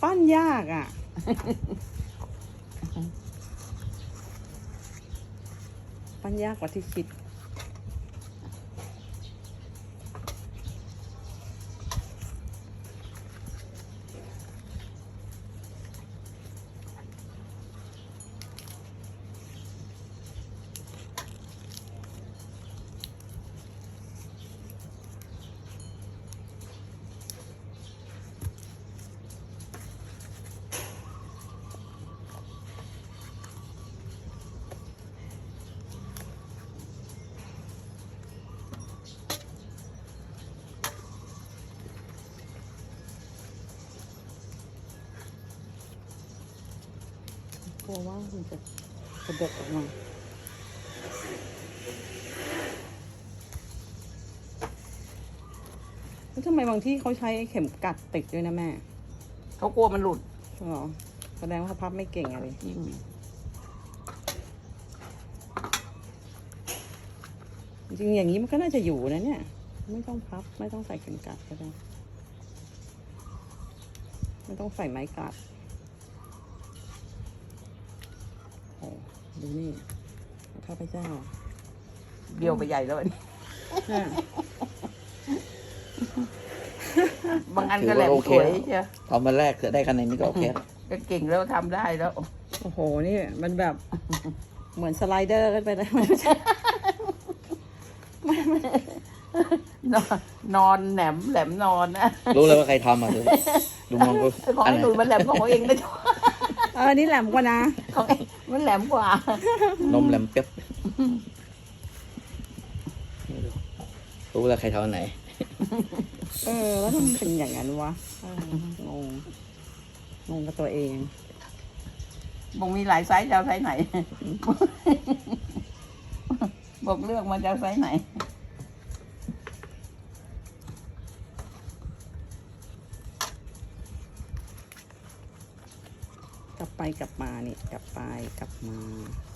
ปั้นยากอ่ะ ปั้นยากกว่าที่คิดกลัวว่ามันจะกระเดกออกมาแล้วทำไมบางที่เขาใช้เข็มกัดติดด้วยนะแม่เขากลัวมันหลุดเหรอแสดงว่าเขาพับไม่เก่งอะไรจิ้มจริงๆอย่างนี้มันก็น่าจะอยู่นะเนี่ย ไม่ต้องพับไม่ต้องใส่เข็มกัดก็ได้ไม่ต้องใส่ไม้กัดโอ้ดูนี่ข้าพเจ้าเบี้ยวไปใหญ่แล้วอันนี้อ่ะบางอันก็แหลมสวยใช่ตอนมาแรกได้คะแนนนี้ก็โอเคแล้วก็เก่งแล้วทำได้แล้วโอ้โหนี่มันแบบเหมือนสไลเดอร์กันไปเลยนอนแหลมนอนนะรู้เลยว่าใครทำอ่ะดูมองกูของอันไอ้ไหนหนุ่ยมันแหลมของเขาเองนะนี่แหลมกว่านะของมันแหลมกว่านมแหลมเปียบรู้แล้วใครทำอันไหนแล้วทำไมเป็นอย่างนั้นวะงงกับตัวเองบอกมีหลายไซส์จะเอาไซส์ไหน บอกเลือกมาจะเอาไซส์ไหนกลับไปกลับมานี่กลับไปกลับมา